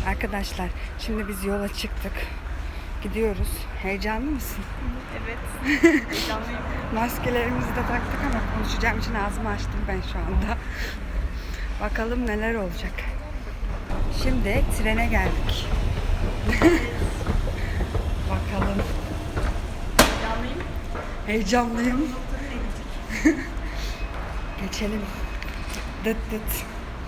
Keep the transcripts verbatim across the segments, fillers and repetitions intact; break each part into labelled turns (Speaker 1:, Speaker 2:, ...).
Speaker 1: Arkadaşlar şimdi biz yola çıktık. Gidiyoruz. Heyecanlı mısın?
Speaker 2: Evet. Heyecanlıyım.
Speaker 1: Maskelerimizi de taktık ama konuşacağım için ağzımı açtım ben şu anda. Bakalım neler olacak. Şimdi trene geldik. Bakalım.
Speaker 2: Heyecanlıyım.
Speaker 1: Heyecanlıyım. Geçelim. Dıt dıt.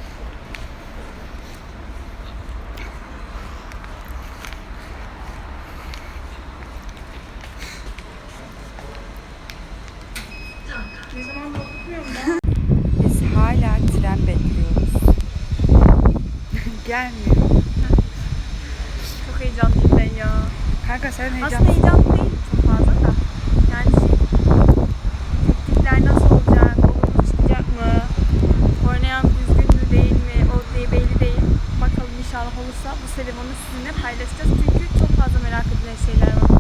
Speaker 2: Ne zaman bakmıyorum ben.
Speaker 1: Biz hala tren bekliyoruz. Gelmiyor.
Speaker 2: Çok heyecanlıyım ben ya.
Speaker 1: Kanka sen
Speaker 2: Aslında
Speaker 1: heyecanlısın.
Speaker 2: heyecanlı değilim çok fazla da. Yani şey, teknikler nasıl olacak, olur mu çıkacak mı, oynayan düzgün mü değil mi, o diye belli değil. Bakalım inşallah olursa bu serümanı sizinle paylaşacağız. Çünkü çok fazla merak edilen şeyler var.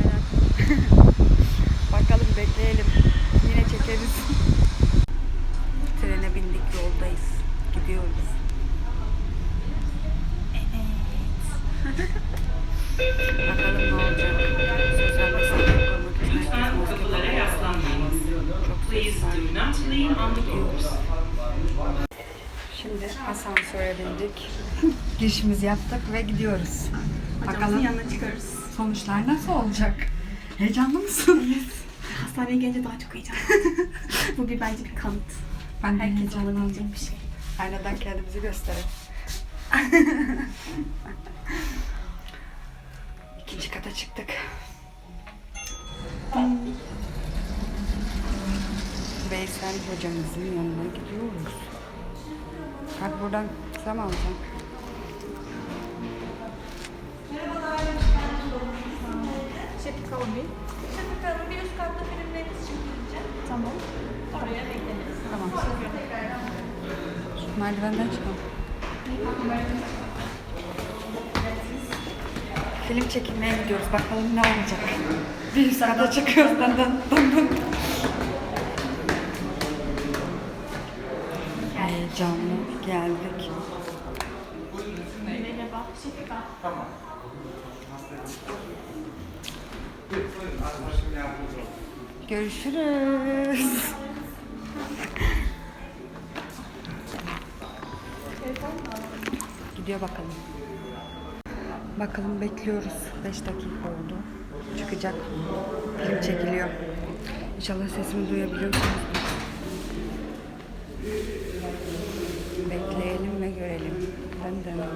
Speaker 1: Bakalım bekleyelim. Yine çekeriz. Trene bindik, yoldayız. Gidiyoruz. Bakalım ne olacak. Sosyal mesafe korumak için herkes maske takıyor. Çok ses var. Gidiyoruz. Şimdi asansöre bindik. Girişimizi yaptık ve gidiyoruz.
Speaker 2: Hocamızın
Speaker 1: Bakalım
Speaker 2: yanına çıkıyoruz.
Speaker 1: sonuçlar nasıl olacak? Heyecanlı mısın?
Speaker 2: Hastaneye gelince daha çok heyecanlıyım. Bu bir bence bir kanıt.
Speaker 1: Ben de
Speaker 2: Herkes
Speaker 1: heyecanlıyım.
Speaker 2: olabilecek bir şey.
Speaker 1: Aynadan kendimizi gösterelim. İkinci kata çıktık. Veysel hocamızın yanına gidiyoruz. Kalk buradan kısa mı alacaksın?
Speaker 2: Şefik Hanım Bey.
Speaker 3: Şefik Hanım bir üst katta filmleriniz için gideceğim.
Speaker 2: Tamam.
Speaker 3: Oraya bekleriz.
Speaker 1: Tamam. Şu merdivenden çıkalım. Film çekilmeye gidiyoruz. Bakalım ne olacak. Bir üst kata çıkıyoruz. Dın dın dın dın. Heyecanlı geldik.
Speaker 2: Merhaba. Şefik Hanım.
Speaker 1: Görüşürüz. Gidiyor bakalım. Bakalım bekliyoruz. beş dakika oldu. Çıkacak. Film çekiliyor. İnşallah sesimi duyabiliyorsunuz. Bekleyelim ve görelim. Ben de.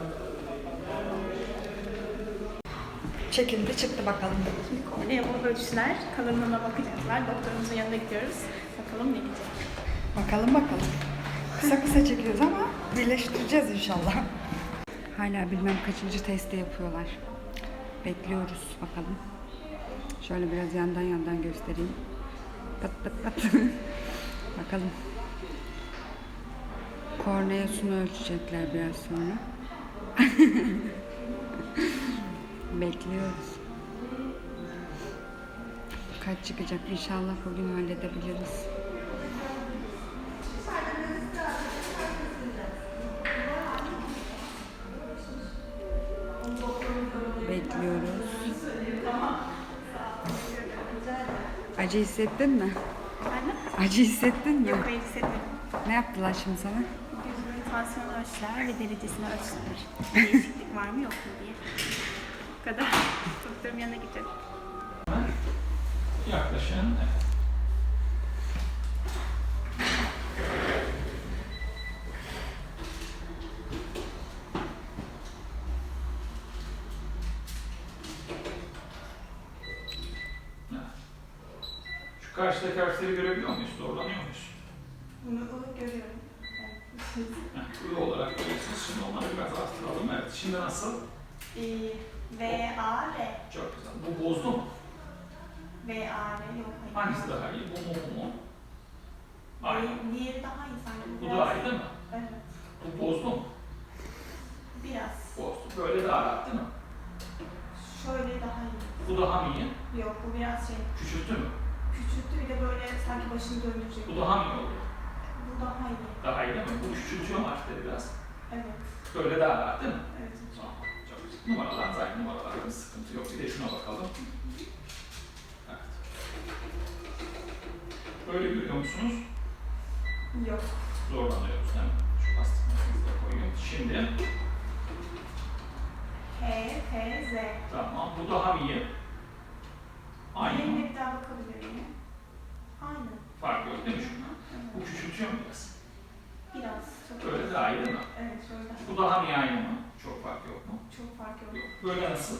Speaker 1: Çekildi çıktı bakalım.
Speaker 2: Şimdi kornea bu ölçüler, kalınlığına bakacaklar. Doktorumuzun yanına gidiyoruz. Bakalım ne diyecek.
Speaker 1: Bakalım bakalım. Kısa kısa çekiyoruz ama birleştireceğiz inşallah. Hala bilmem kaçıncı testi yapıyorlar. Bekliyoruz bakalım. Şöyle biraz yandan yandan göstereyim. Pat pat pat. Bakalım. Korneasını ölçecekler biraz sonra. Bekliyoruz. Kaç çıkacak inşallah bugün halledebiliriz. Bekliyoruz. Acı hissettin mi?
Speaker 2: Anne?
Speaker 1: Acı hissettin mi?
Speaker 2: Yok, hayır hissetmedim.
Speaker 1: Ne yaptılar şimdi sana?
Speaker 2: Gözümün tansiyonu ölçüler ve derecesini ölçüler. Değişiklik var mı yok mu diye. Bu kadar. Doktorum yanına gidiyorum.
Speaker 4: Yaklaşın. Şu karşıdaki harfleri görebiliyor muyuz? Doğrulanıyor muyuz?
Speaker 2: Bunu, bunu görüyorum.
Speaker 4: Heh, Ü olarak görüyorsunuz. Şimdi onları biraz arttıralım. Evet. Şimdi nasıl?
Speaker 2: Ee, V, A, R.
Speaker 4: Çok güzel. Bu bozdu mu?
Speaker 2: V, A, R yok. Hayır.
Speaker 4: Hangisi daha iyi? Bu mu bu mu? Aynı.
Speaker 2: Di- Diğeri daha iyi sanki.
Speaker 4: Bu
Speaker 2: Biraz-
Speaker 4: daha iyi değil mi?
Speaker 2: Evet.
Speaker 4: Bu bozdu mu?
Speaker 2: Biraz.
Speaker 4: Bozdu. Böyle daha rahat değil mi?
Speaker 2: Şöyle daha iyi.
Speaker 4: Bu daha mı iyi?
Speaker 2: Yok, bu biraz şey
Speaker 4: Küçülttü mü?
Speaker 2: küçülttü, bir de böyle sanki başını döndürecek.
Speaker 4: Bu daha mı iyi oldu?
Speaker 2: Bu daha iyi.
Speaker 4: Daha iyi değil mi? Bu küçültüyor mu harfleri biraz?
Speaker 2: Evet.
Speaker 4: Böyle daha rahat değil mi?
Speaker 2: Evet.
Speaker 4: Tamam. Numaralar zaten numaralarda bir sıkıntı yok. Bir de şuna bakalım. Evet. Böyle görüyor musunuz?
Speaker 2: Yok.
Speaker 4: Zorlanıyoruz değil mi? Şu lastik makinesi de koyuyorum. Şimdi
Speaker 2: H, H, Z.
Speaker 4: tamam. Bu daha iyi. Aynı mı?
Speaker 2: Benimle bir daha bakabilir miyim? Aynı.
Speaker 4: Fark yok değil mi şuna? Bu küçültüyor mu biraz?
Speaker 2: Biraz. Çok
Speaker 4: Böyle daha iyi değil mi?
Speaker 2: Evet, şöyle.
Speaker 4: Bu daha mı aynı mı? Çok fark yok mu?
Speaker 2: Çok fark yok.
Speaker 4: Yok. Böyle nasıl?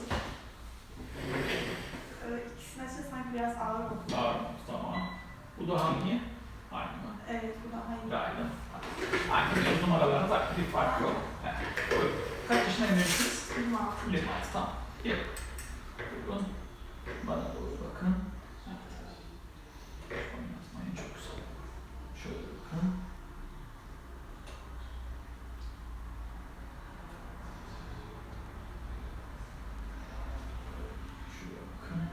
Speaker 2: Ee, ikisinin açısı sanki biraz ağır oldu.
Speaker 4: Ağır mı? Tamam. Bu daha mı iyi? Aynı mı?
Speaker 2: Evet, bu daha iyi.
Speaker 4: Daha iyi değil mi? Aynı. Aynı numaralarda zaten bir fark yok. Evet. Buyurun. Kaç yaşına eminsiniz?
Speaker 2: yirmi altı.
Speaker 4: yirmi altı. Tamam. Gel. Buyurun. Bana doğru bakın. Evet. Oynatmayın. Çok güzel. Şöyle bakın. Şuraya bakın.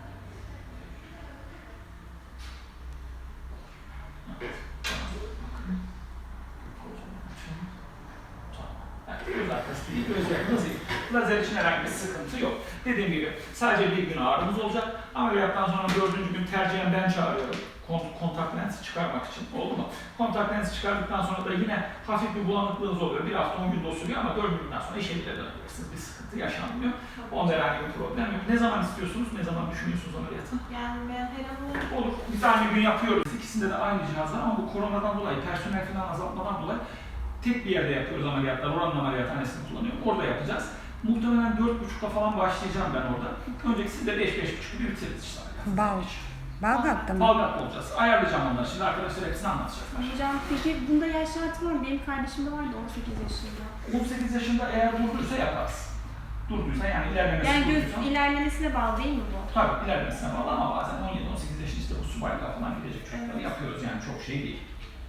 Speaker 4: Evet. Bana doğru bakın. Kocaman açın. Tamam. Evet. Göz arkası değil, göz yakınız değil. Lazer için herhangi bir sıkıntı yok. Dediğim gibi sadece bir gün ağrımız olacak. Ameliyattan sonra dördüncü gün tercihen ben çağırıyorum. Kont kontak lensi çıkarmak için. Oldu mu? Kontak lensi çıkardıktan sonra da yine hafif bir bulanıklığınız oluyor. Bir hafta on gün de sürüyor ama dördüncü günden sonra işe bile dönebilirsiniz. Bir sıkıntı yaşanmıyor. Onda herhangi bir problem yok. Ne zaman istiyorsunuz? Ne zaman düşünüyorsunuz ameliyatı?
Speaker 2: Yani ben her an
Speaker 4: Olur. Biz aynı gün yapıyoruz. İkisinde de aynı cihazlar ama bu koronadan dolayı, personel falan azaltmadan dolayı tek bir yerde yapıyoruz ameliyatlar. Oranın ameliyathanesini kullanıyorum. Orada yapacağız. Muhtemelen dört buçukta falan başlayacağım ben orada. Önceki siz de beş beş buçuk gibi bitiririz işte.
Speaker 1: Bal. Balgat'ta mı?
Speaker 4: Balgat olacağız. Ayarlayacağım onları. Şimdi arkadaşlar hepsini anlatacaklar.
Speaker 2: Hocam peki bunda yaş şartı var mı? Benim kardeşim de vardı on sekiz yaşında.
Speaker 4: on sekiz yaşında eğer durduysa yaparız. Durduysa yani ilerlemesi
Speaker 2: Yani göz
Speaker 4: durduysa.
Speaker 2: ilerlemesine bağlı değil mi bu?
Speaker 4: Tabii ilerlemesine bağlı ama bazen on yedi on sekiz yaşında işte bu subaylığa falan gidecek çocukları
Speaker 2: Evet.
Speaker 4: yapıyoruz yani çok şey değil.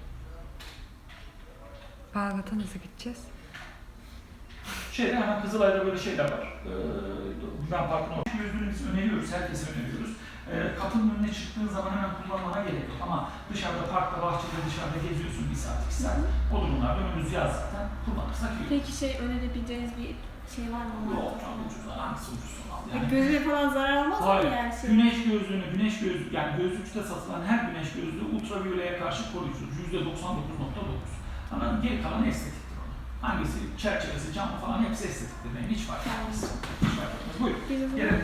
Speaker 1: Balgat'a nasıl gideceğiz?
Speaker 4: Şeyde hemen Kızılay'da böyle şeyler var. Ee, Güven Parkı'nın orada. Gözlüğünü biz öneriyoruz, herkese öneriyoruz. Ee, kapının önüne çıktığın zaman hemen kullanmana gerek yok ama dışarıda, parkta, bahçede, dışarıda geziyorsun bir saat, iki saat. O durumlarda önümüz yaz zaten kullanırsak iyi.
Speaker 2: Peki şey önerebileceğiniz bir şey var mı?
Speaker 4: Yok, çok ucuz, hangisi ucuz al
Speaker 2: E,
Speaker 4: yani.
Speaker 2: gözüne falan zarar olmaz mı
Speaker 4: Hayır,
Speaker 2: yani? Şey?
Speaker 4: güneş gözlüğünü, güneş gözlüğü, yani gözlükte satılan her güneş gözlüğü ultraviyoleye karşı koruyucu, yüzde doksan dokuz nokta dokuz. Ama geri kalan estetiktir onun. Hangisi, çerçevesi, camı falan hepsi estetiktir benim, hiç fark etmez. Hiç fark etmez. Buyurun, gelelim.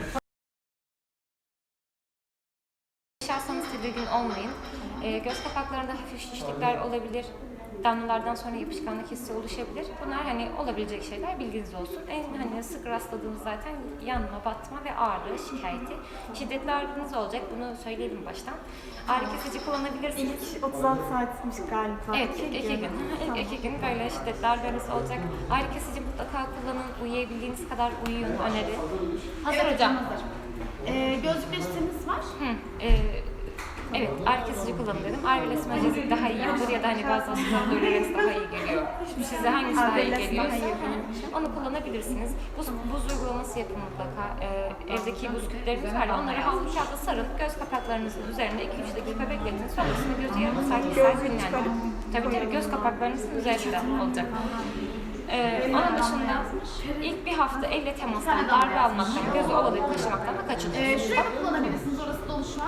Speaker 5: Yaşarsanız tedirgin olmayın. Ee, göz kapaklarında hafif şişlikler olabilir. Damlalardan sonra yapışkanlık hissi oluşabilir. Bunlar hani olabilecek şeyler, bilginiz olsun. En hani sık rastladığımız zaten yanma, batma ve ağrı şikayeti. Şiddetli ağrınız olacak. Bunu söyleyelim baştan. Ağrı kesici kullanabilirsiniz.
Speaker 2: İlk otuz altı saatmiş galiba.
Speaker 5: Evet, ilk iki gün. İlk iki gün böyle şiddetli ağrılarınız olacak. Ağrı kesici mutlaka kullanın. Uyuyabildiğiniz kadar uyuyun öneri. Hazır hocam.
Speaker 2: Ee, gözlük reçetemiz var.
Speaker 5: Hı, e, evet, ağrı kesici kullanın dedim. Arveles majezik daha iyi olur ya da hani bazı hastalarda Dolorex daha iyi geliyor. Size hangisi daha iyi
Speaker 2: Arveles
Speaker 5: geliyorsa
Speaker 2: daha iyi.
Speaker 5: hı, onu kullanabilirsiniz. Buz, buz uygulaması yapın mutlaka. Ee, evdeki buz küplerimiz var ya, onları havlu kağıda sarın. Göz kapaklarınızın üzerinde iki üç dakika bekletin. Sonrasında gözü yarım saat, bir saat dinlendirin. Tabii tabii göz kapaklarınızın üzerinde olacak. Ee, onun dışında ilk bir hafta elle temastan, darbe almaktan, gözü ovalayıp taşımaktan da kaçının.
Speaker 3: Ee, şurada kullanabilirsiniz. Orası dolu şu an.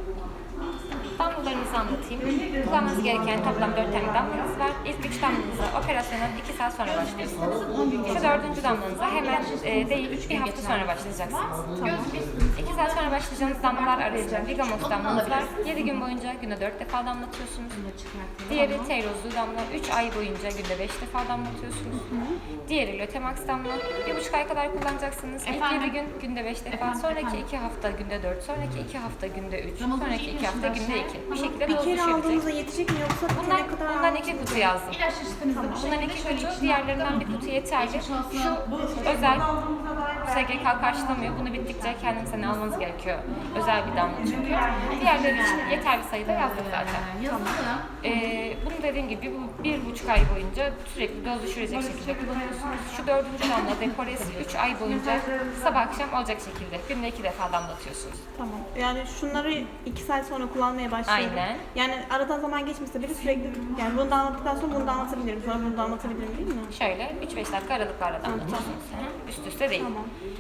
Speaker 5: Damlalarınızı anlatayım. Kullanmanız gereken toplam dört tane damlanız var. İlk üç damlanızı operasyondan iki saat sonra başlıyorsunuz. Şu dördüncü damlanıza hemen e, değil, bir hafta sonra başlayacaksınız. İki saat sonra başlayacağınız damlalar arasında Vigamox damlanız var. Yedi gün boyunca günde dört defa damlatıyorsunuz. Diğeri Teirozlu damla, üç ay boyunca günde beş defa damlatıyorsunuz. Diğeri Lötemax damla, bir buçuk ay kadar kullanacaksınız. İlk yedi gün günde beş defa, sonraki iki hafta günde dört, sonraki iki hafta günde üç, sonraki iki hafta günde iki. Bu şekilde
Speaker 2: Bir
Speaker 5: doz
Speaker 2: kere aldığınızda
Speaker 5: düşürecek.
Speaker 2: yetecek mi yoksa
Speaker 5: Bundan,
Speaker 2: bitene kadar
Speaker 5: bundan iki kutu yazdım.
Speaker 3: İlaç reçetemizde bu
Speaker 5: Bundan
Speaker 3: şekilde.
Speaker 5: iki
Speaker 3: Şöyle
Speaker 5: kutu,
Speaker 3: içine
Speaker 5: diğerlerinden bir kutu yeterli. Şu özel S G K karşılamıyor. Bunu bittikçe kendinize ne almanız gerekiyor. Özel bir damla çünkü. Diğerleri için yeterli sayıda yazdık zaten.
Speaker 3: Yazılı.
Speaker 5: Ee, bunu dediğim gibi bir, bir buçuk ay boyunca sürekli doz düşürecek şekilde kullanıyorsunuz. Şu dördüncü damla Deporis üç ay boyunca sabah akşam olacak şekilde günde iki defa damlatıyorsunuz.
Speaker 2: Tamam. Yani şunları iki saat sonra kullanmaya başlıyorum.
Speaker 5: Aynen.
Speaker 2: Yani aradan zaman geçmişse bile sürekli yani bunu da anlattıktan sonra bunu da anlatabilirim. Sonra bunu da anlatabilirim değil mi?
Speaker 5: Şöyle üç beş dakika aralıklarla damlatıyorsunuz. Hı hı. Üst üste değil.
Speaker 2: Tamam.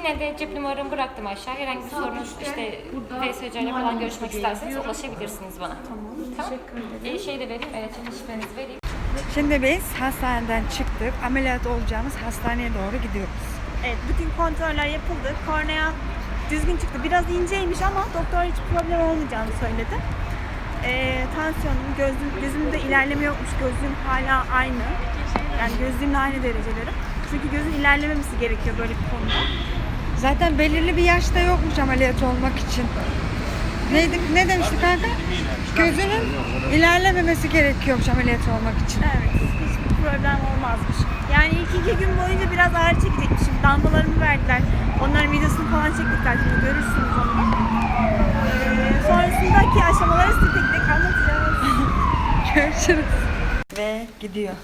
Speaker 5: Yine de cep numaramı bıraktım aşağı. Herhangi bir sorunuz işte V S C ile falan görüşmek isterseniz ulaşabilirsiniz bana. Tamam. Teşekkür ederim. Şey de vereyim. Evet, şifrenizi vereyim.
Speaker 1: Şimdi biz hastaneden çıktık. Ameliyat olacağımız hastaneye doğru gidiyoruz.
Speaker 2: Evet, bütün kontroller yapıldı. Kornea düzgün çıktı. Biraz inceymiş ama doktor hiç problem olmayacağını söyledi. Ee, tansiyonum, gözüm, gözümde ilerleme yokmuş. Gözüm hala aynı. Yani gözlüğümle aynı dereceleri. Çünkü gözün ilerlememesi gerekiyor böyle bir konuda.
Speaker 1: Zaten belirli bir yaşta yokmuş ameliyat olmak için. Neydi, ne demiştik kanka? Gözünün ilerlememesi gerekiyormuş ameliyat olmak için.
Speaker 2: Evet, hiçbir problem olmazmış. Yani ilk iki gün boyunca biraz ağrı çekecekmişim. Damlalarımı verdiler. Onların videosunu falan çektikler. Şimdi görürsünüz onu. Ee, sonrasındaki aşamaları size tek tek anlatacağız.
Speaker 1: Görüşürüz. Ve gidiyor.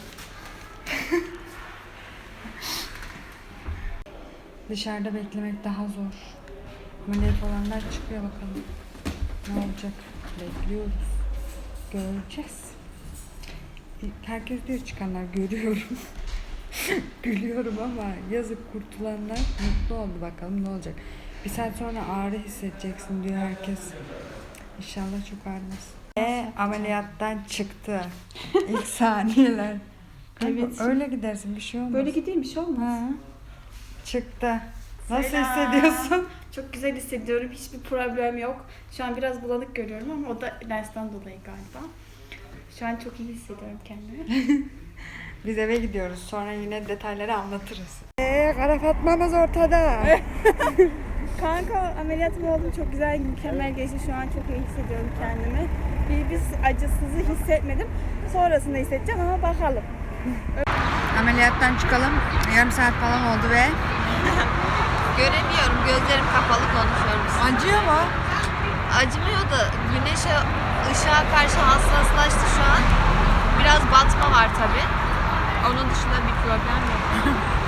Speaker 1: Dışarıda beklemek daha zor. Ameliyat olanlar çıkıyor bakalım. Ne olacak? Bekliyoruz. Göreceğiz. Herkes diyor çıkanlar görüyorum. Gülüyorum ama yazık kurtulanlar mutlu oldu, bakalım ne olacak. Bir saat sonra ağrı hissedeceksin diyor herkes. İnşallah çok ağrımaz. Ve ameliyattan çıktı. İlk saniyeler. Kanka,
Speaker 2: Evet.
Speaker 1: öyle gidersin, bir şey olmaz.
Speaker 2: Böyle gideyim, bir şey olmaz.
Speaker 1: Ha. Çıktı. Nasıl
Speaker 2: Selam.
Speaker 1: hissediyorsun?
Speaker 2: Çok güzel hissediyorum. Hiçbir problem yok. Şu an biraz bulanık görüyorum ama o da lensten dolayı galiba. Şu an çok iyi hissediyorum kendimi.
Speaker 1: Biz eve gidiyoruz. Sonra yine detayları anlatırız. Eee Kara Fatma'mız ortada.
Speaker 2: Kanka ameliyatım oldu. Çok güzel, mükemmel geçti. Şu an çok iyi hissediyorum kendimi. Bir biz acısızı hissetmedim. Sonrasında hissedeceğim ama bakalım.
Speaker 1: Ameliyattan çıkalım. Yarım saat falan oldu ve
Speaker 6: Göremiyorum, gözlerim kapalı konuşuyorum.
Speaker 1: acıyor mu?
Speaker 6: Acımıyor da güneşe, ışığa karşı hassaslaştı şu an. Biraz batma var tabii. Onun dışında bir problem yok.